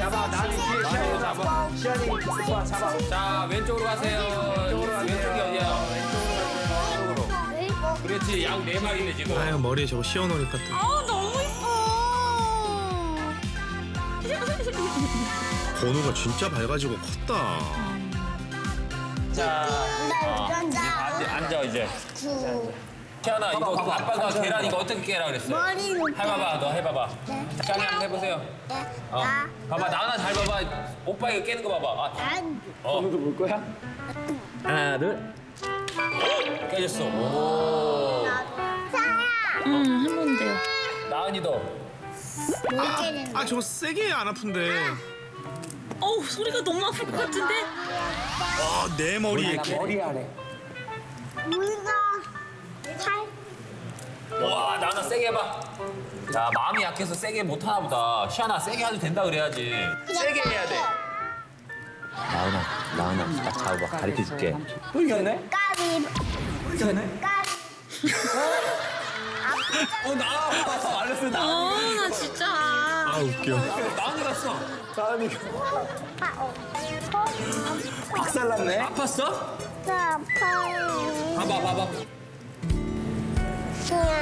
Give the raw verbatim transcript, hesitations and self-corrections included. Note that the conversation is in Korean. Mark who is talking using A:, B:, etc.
A: 잡아. 나는 뒤에 시안이 잡아. 시안이 오빠 잡아.
B: 자, 왼쪽으로 가세요.
A: 왼쪽으로 가세요.
B: 왼쪽이 어디야?
A: 왼쪽으로.
B: 그렇지, 양 네 마리네 지금.
C: 아유 머리에 저거 씌워놓으니까 또
D: 아 너무 이뻐.
C: 번호가 진짜 밝아지고 컸다.
B: 자, 어, 이제 앉아, 앉아 이제. 태연아, 이거 그 아빠가 계란 이거 어떻게 깨라 그랬어?
E: 머리는
B: 해봐봐, 너 해봐봐. 짱이 한번 해보세요. 어, 봐봐, 나나 잘 봐봐. 오빠 이거 깨는 거 봐봐. 아, 어.
A: 너도 볼 거야?
B: 하나, 둘. 오, 깨졌어. 오.
D: 응, 한 번 돼요.
B: 나은이도.
C: 아 저거 세게 안 아픈데.
D: 어우, 소리가 너무 아플 것 같은데?
C: 아내 머리에
A: 나 머리 아래.
E: 우리가 살
B: 와, 나나 세게 해봐. 자, 마음이 약해서 세게 못 하나 보다. 시아나 세게 해도 된다 그래야지. 세게 해야 돼. 나은아, 나은아, 딱 잡아봐. 가르쳐 줄게.
A: 또 이겼네?
E: 까비
A: 이겼네?
E: 까비
B: 어, 나 아팠어. 알렸어, 나.
D: 아, 나 진짜.
C: 아 웃겨.
B: 나은이 갔어.
A: 다음이가
E: 아파
A: 박살났네.
B: 아팠어?
E: 아파요
B: 봐봐, 봐봐.
E: 그냥